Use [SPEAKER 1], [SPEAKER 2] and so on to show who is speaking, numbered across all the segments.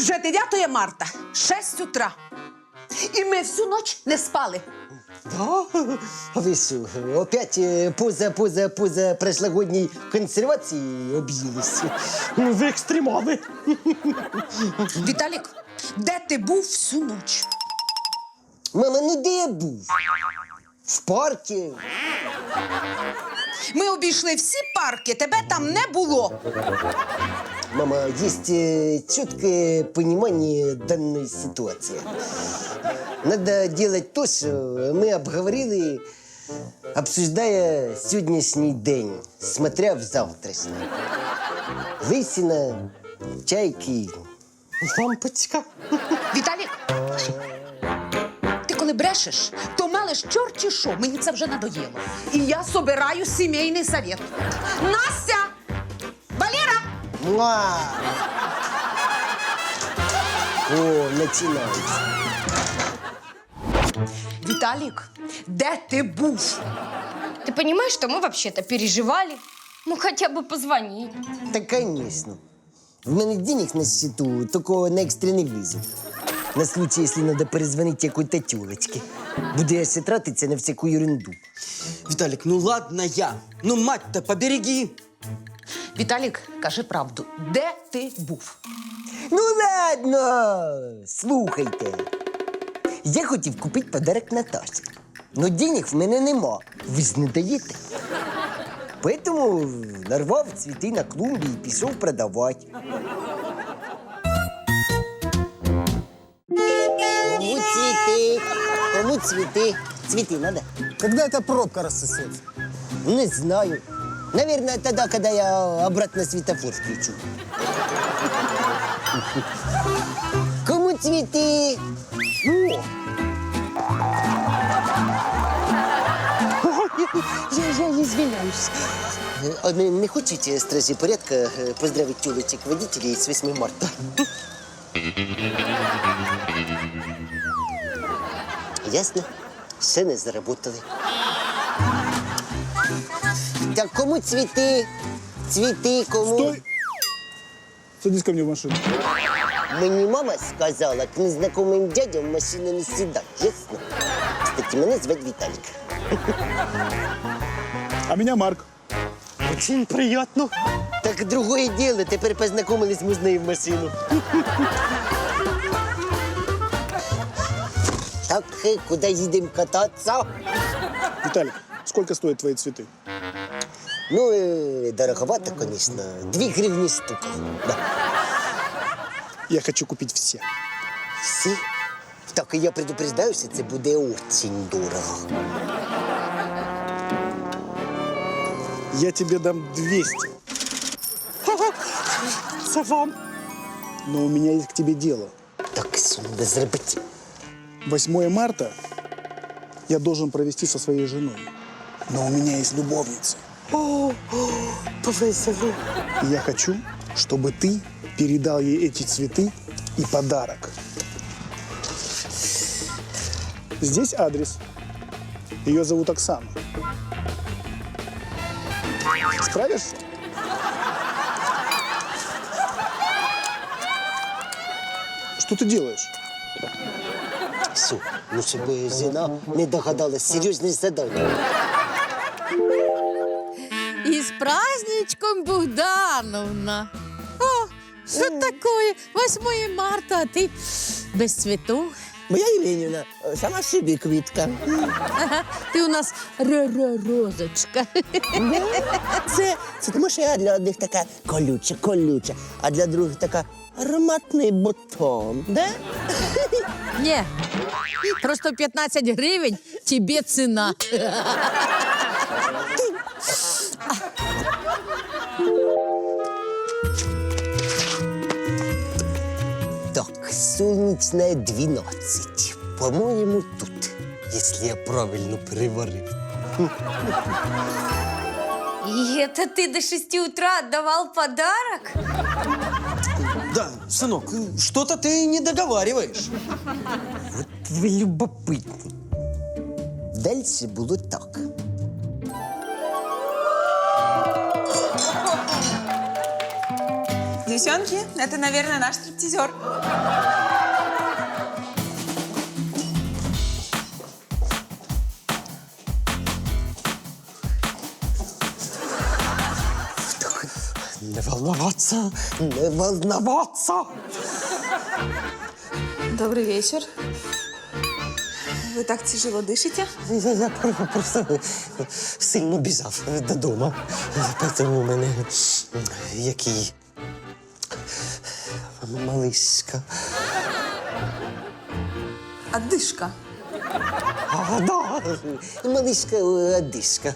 [SPEAKER 1] Вже 9 марта, 6 утра. І ми всю ніч не спали.
[SPEAKER 2] Да? А ви що, опять поза прошлогодній консервації об'їлись?
[SPEAKER 3] Ну, ви екстремали.
[SPEAKER 1] Віталік, де ти був всю ніч?
[SPEAKER 2] Мама, ну де я був? В парку.
[SPEAKER 1] Ми обійшли всі парки, тебе там не було.
[SPEAKER 2] Мама, есть четкое понимание данной ситуации. Надо делать то, что мы обговорили, обсуждая сегодняшний день, смотря в завтрашний. Лысина, чайки.
[SPEAKER 3] Лампочка.
[SPEAKER 1] Віталік, ти коли брешеш, то мелеш чорті що, мені це вже надоїло. І я собираю сімейний совет. Настя! Валера!
[SPEAKER 2] Муа! О, начинается.
[SPEAKER 1] Віталік, де ти був?
[SPEAKER 4] Ты понимаешь, что мы вообще-то переживали? Ну, хотя бы позвонить.
[SPEAKER 2] Да, конечно. В мене денег на счету только на экстренный вызов. На случай, если надо перезвонить какой-то тёлочке. Буду я ще тратиться на всякую ерунду.
[SPEAKER 3] Виталик, ну ладно я. Ну, мать-то, побереги.
[SPEAKER 1] Віталік, кажи правду, де ти був?
[SPEAKER 2] Ну ладно, слухайте. Я хотів купити подарок Наташі. Но денег в мене нема. Ви ж не даєте. Поэтому нарвав цвіти на клумбі і пішов продавати. Кому цвіти? Кому цвіти? Цвіти надо?
[SPEAKER 5] Когда эта пробка рассосется?
[SPEAKER 2] Не знаю. Наверное, тогда, когда я обратно светофор включу. Кому цветы? О! Я извиняюсь. А не хочете, стражи порядка, поздравить тёлочек водителей с 8 марта? Ясно. Ще не заработали. Так кому цветы? Цветы кому?
[SPEAKER 5] Стой! Садись ко мне в машину.
[SPEAKER 2] Мені мама сказала, к незнакомым дядям в машину не сідай, ясно? Кстати, мене звати Віталік.
[SPEAKER 5] А меня Марк.
[SPEAKER 3] Очень приятно.
[SPEAKER 2] Так другое дело, тепер познайомились можна і в машину. Так, куди їдемо кататися?
[SPEAKER 5] Виталик, сколько стоят твои цветы?
[SPEAKER 2] Ну, дороговато, конечно. 2 гривні штука. Да.
[SPEAKER 5] Я хочу купить все.
[SPEAKER 2] Всі? Так, я предупреждаю, що це буде очень дорого.
[SPEAKER 5] Я тебе дам 200.
[SPEAKER 3] Це вам.
[SPEAKER 5] Но у меня есть к тебе дело.
[SPEAKER 2] Так, що треба зробити?
[SPEAKER 5] 8 марта я должен провести со своей женой. Но у меня есть любовница.
[SPEAKER 3] Повесело.
[SPEAKER 5] И я хочу, чтобы ты передал ей эти цветы и подарок. Здесь адрес. Ее зовут Оксана. Справишься? Что ты делаешь?
[SPEAKER 2] Все, ну щоб жена не догадалась, серйозне задання.
[SPEAKER 6] И с праздничком, Богдановна! О, что такое? 8 марта, а ты без цветов.
[SPEAKER 7] Моя Євгенівна, сама собі квітка.
[SPEAKER 6] Ага, ти у нас розочка.
[SPEAKER 7] Це тому, що я для одних така колюча, а для других така ароматний бутон. Да?
[SPEAKER 6] Не, просто 15 гривень тебе ціна.
[SPEAKER 2] Так, сонячная 12. По-моему, тут, если я правильно переварив.
[SPEAKER 4] И это ты до 6 утра отдавал подарок?
[SPEAKER 3] Да, сынок, что-то ты не договариваешь.
[SPEAKER 2] Ви любопитні. Дальше було так.
[SPEAKER 8] Девчонки, это, наверное, наш стриптизер.
[SPEAKER 7] Не волноваться, не волноваться.
[SPEAKER 8] Добрый вечер. Вы так тяжело дышите?
[SPEAKER 7] Я просто сильно біжав додому. Тому у мене який малишка.
[SPEAKER 8] Отдышка.
[SPEAKER 7] А, да, малишка одишка.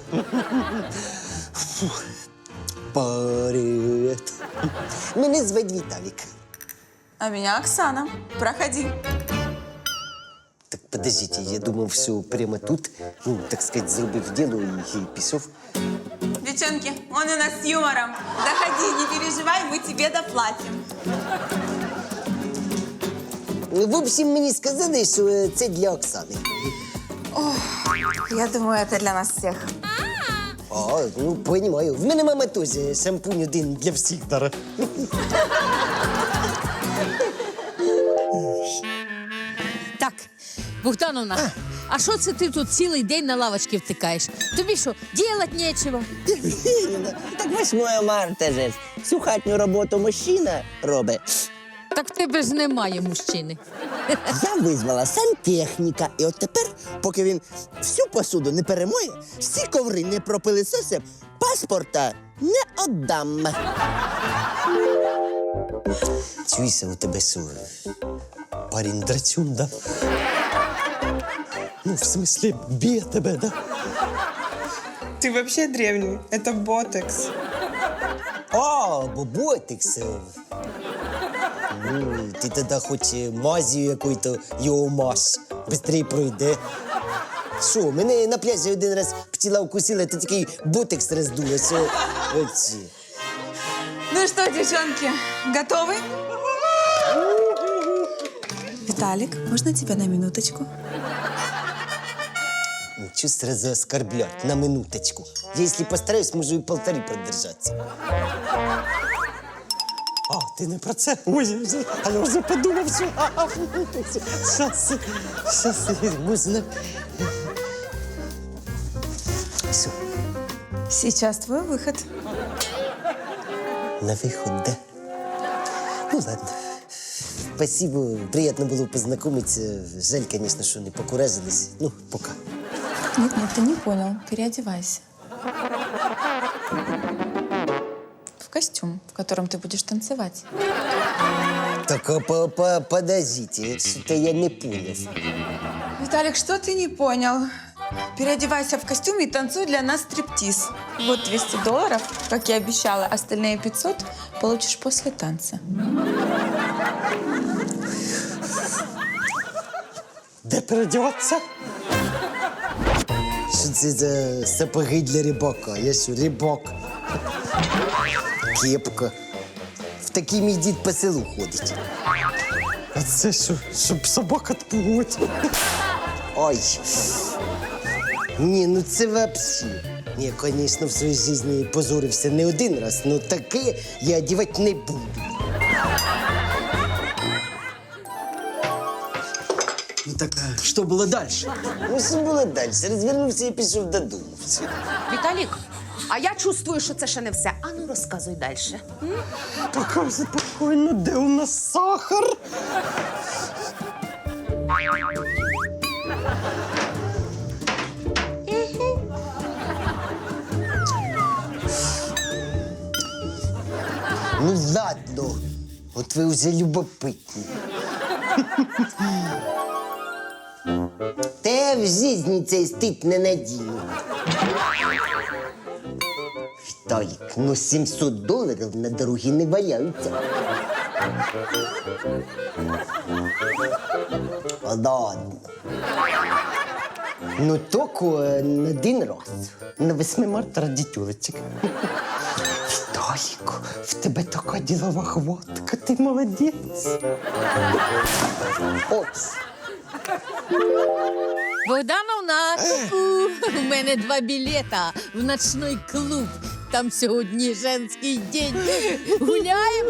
[SPEAKER 7] Привет. Мене звать Віталік.
[SPEAKER 8] А меня Оксана. Проходи.
[SPEAKER 7] Так подождите, я думав, все прямо тут, ну, так сказать, зробив діло і пішов.
[SPEAKER 8] Девчонки, он у нас с юмором. Заходи, не переживай, мы тебе доплатим.
[SPEAKER 7] В общем, мені сказали, що це для Оксани.
[SPEAKER 8] Я думаю, это для нас всех.
[SPEAKER 7] А, ну, понимаю. В мене мама теж шампунь один для всіх дара.
[SPEAKER 6] Так, Богдановна, а що це ти тут цілий день на лавочці втикаєш? Тобі що, ділать нечого?
[SPEAKER 7] Так 8 марта же. Всю хатню роботу мужчина робить.
[SPEAKER 6] Так в тебе ж немає мужчини.
[SPEAKER 7] Я визвала сантехніка, і от тепер, поки він всю посуду не перемоє, всі коври не пропилисосив, паспорта не отдам. Чуєшся, у тебе що, парень драчун, да? Ну, в смысле, б'є тебе, да?
[SPEAKER 8] Ты вообще древний. Это ботекс.
[SPEAKER 7] А, боботикс. Ну, ти тоді хоч мазію якою-то його мазь. Быстрее пройде. Що, мене на пляжі один раз пчела укусила, то такий ботекс роздуло, що... Оці.
[SPEAKER 8] Ну что, девчонки, готовы? Виталик, можно тебя на минуточку?
[SPEAKER 7] Чё сразу оскорблять на минуточку? Я, если постараюсь, можу и 1,5 продержаться. А, ти не про це? Ой, а я вже подумав, що... Щас, можна... Все,
[SPEAKER 8] Сейчас твой выход.
[SPEAKER 7] на виход, да? Ну, ладно. Спасибо, приятно было познакомиться. Жаль, конечно, что не покуражились. Ну, пока.
[SPEAKER 8] Нет, ты не понял. Переодевайся. В костюм, в котором ты будешь танцевать.
[SPEAKER 7] Так, подождите, что-то я не понял.
[SPEAKER 8] Виталик, что ты не понял? Переодевайся в костюм и танцуй для нас стриптиз. Вот $200, как я обещала. Остальные 500 получишь после танца.
[SPEAKER 7] Де переодіватися? Що це за сапоги для рибака? Я що, рибак? Кепка. В такий мій дід по селу ходить. А це що, щоб собак отпугувати? Ой. Ні, ну це вообще. Я, звісно, в своїй житті позорився не один раз, але таке я одягати не буду.
[SPEAKER 3] Ну так, что было дальше?
[SPEAKER 7] Ну, що було далі? Розвернувся і пішов додому. Все.
[SPEAKER 1] Віталік, а я чувствую, що це ще не все. Ану, розказуй далі.
[SPEAKER 7] Така спокійно, де у нас сахар? Ну ладно, от ви вже любопитні. Та я в житті цей стид не надіну. Віталік, ну $700 на дорогі не валяються. Ладно. Ну, тільки на один раз. На 8 марта ради тюлечек. Віталік, в тебе така ділова хватка, ти молодець. Опс.
[SPEAKER 6] Богдановна, ку-ку, у мене 2 білета в ночний клуб. там сьогодні женський день. Гуляємо?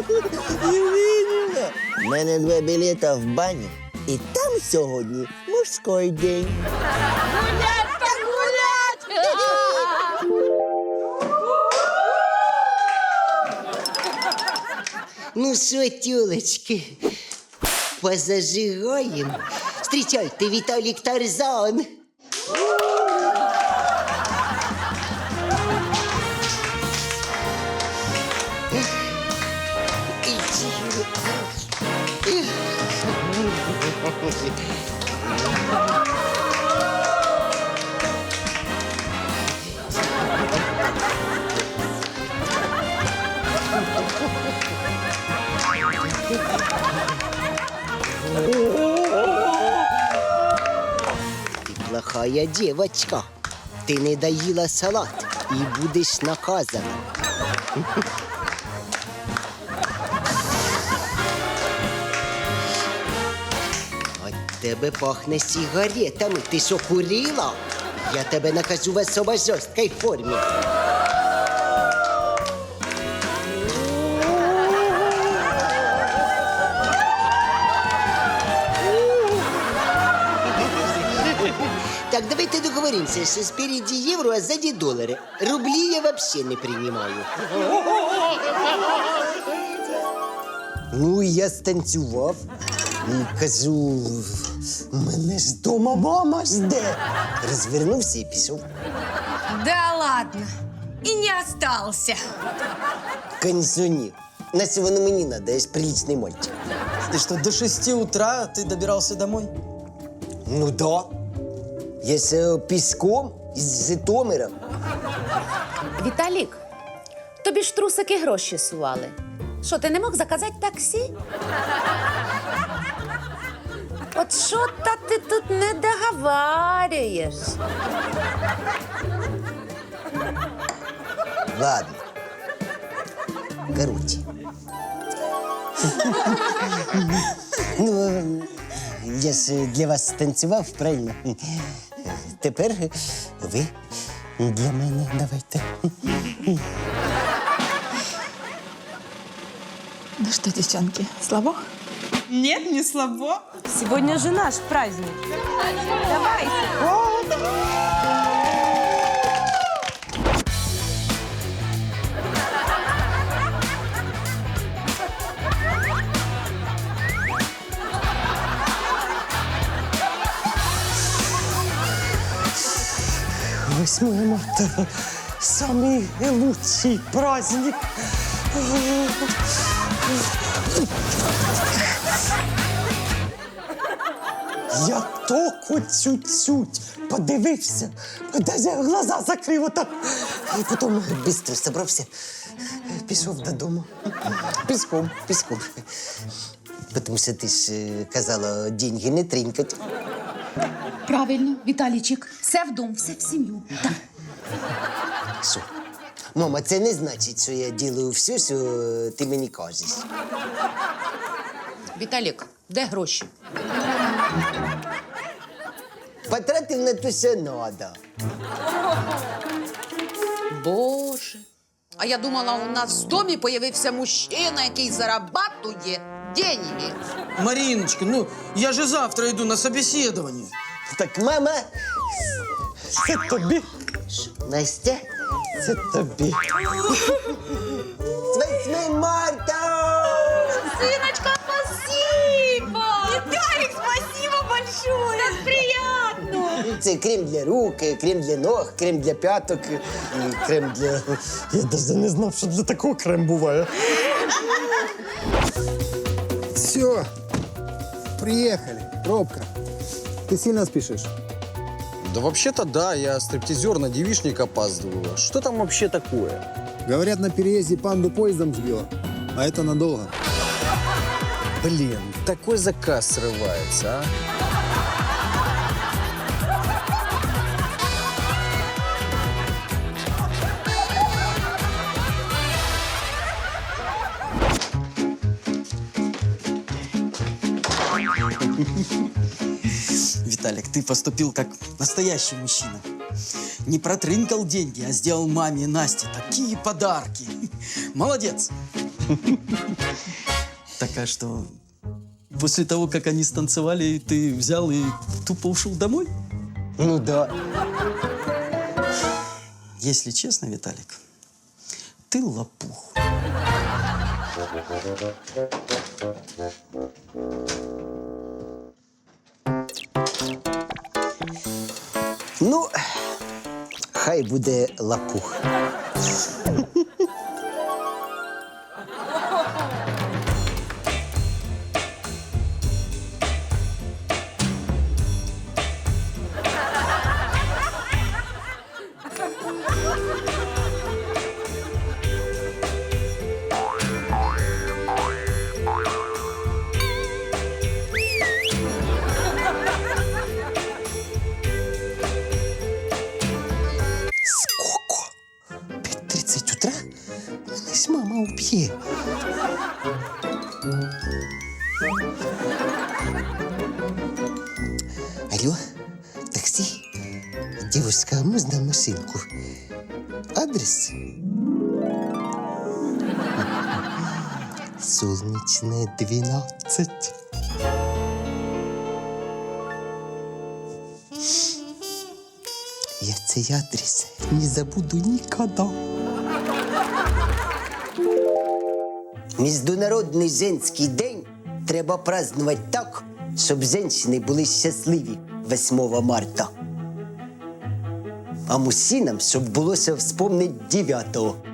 [SPEAKER 7] У мене 2 білета в баню. І там сьогодні мужський день.
[SPEAKER 6] Гулять так гулять!
[SPEAKER 2] Ну що, тюлечки, позажигаємо. Встрічайте, Віталік Тарзан. Ты плохая девочка. Ты не доела салат и будешь наказана. От тебе пахне сигаретами. Ти що, курила? Я тебе накажу в особо жорсткій формі. Так, давайте договоримся, что спереди евро, а сзади доллары. Рубли я вообще не принимаю. Ну, я станцював і кажу, мене ж дома мама жде. Розвернувся і пішов.
[SPEAKER 4] Да ладно. И не остался.
[SPEAKER 7] Конечно, ні. Нащо воно мені надо, я ж приличний мальчик.
[SPEAKER 3] Ты что, до 6 утра ты добирался домой?
[SPEAKER 7] Ну да. Я ж пішком із Житомира.
[SPEAKER 1] Віталік, тобі ж трусики гроші сували. Що, ти не мог заказати таксі? От що-то ти тут не договарюєш.
[SPEAKER 7] Ладно. Короче. Ну, я ж для вас танцював, правильно? Тепер ви для мене давайте.
[SPEAKER 8] Ну что, девчонки, слабо?
[SPEAKER 9] Нет, не слабо.
[SPEAKER 8] Сегодня же наш праздник. Давайте.
[SPEAKER 7] Восьмое марта. Самый лучший праздник. Я току чуть-чуть подивився, даже глаза закрив отак. І потім швидко зібрався, пішов додому. Пішком. Тому що ти ж казала, деньги не тринькать.
[SPEAKER 1] Правильно, Віталійчик, все в дом, все в сім'ю. Так.
[SPEAKER 7] Що? Мама, це не значить, що я ділаю все, що ти мені кажеш.
[SPEAKER 1] Віталік, де гроші?
[SPEAKER 7] Потратив на те, що надо.
[SPEAKER 1] Боже. А я думала, у нас в домі появився мужчина, який зарабатує деньги.
[SPEAKER 3] Мариночка, ну я же завтра иду на собеседование.
[SPEAKER 7] Так, мама, це тобі. Настя, це тобі. З 8 марта!
[SPEAKER 4] Сыночка, спасибо! Виталик, спасибо большое! Как приятно!
[SPEAKER 7] Це крем для рук, крем для ног, крем для п'яток і крем для... Я навіть не знав, що для такого крем буває.
[SPEAKER 5] Все, приехали. Пробка. Ты сильно спешишь?
[SPEAKER 10] Да вообще-то да, я стриптизер на девичник опаздываю. Что там вообще такое?
[SPEAKER 5] Говорят, на переезде панду поездом сбила. А это надолго.
[SPEAKER 10] Блин, такой заказ срывается, а?
[SPEAKER 3] Виталик, ты поступил как настоящий мужчина. Не протрынкал деньги, а сделал маме и Насте такие подарки. Молодец. Так а что, после того, как они станцевали, ты взял и тупо ушел домой?
[SPEAKER 2] Ну да.
[SPEAKER 3] Если честно, Виталик, ты лопух.
[SPEAKER 2] Ну, хай буде лапух. Сколько? 5:30 утра? Мене ж мама уб'є. Алло, таксі? Девушка, а можна машинку? Адрес? Солнечная 12. Я цей адрес не забуду ніколи. Міжнародний женський день треба празднувати так, щоб жінки були щасливі 8 марта. А мужчинам, щоб було що вспомнити 9-го.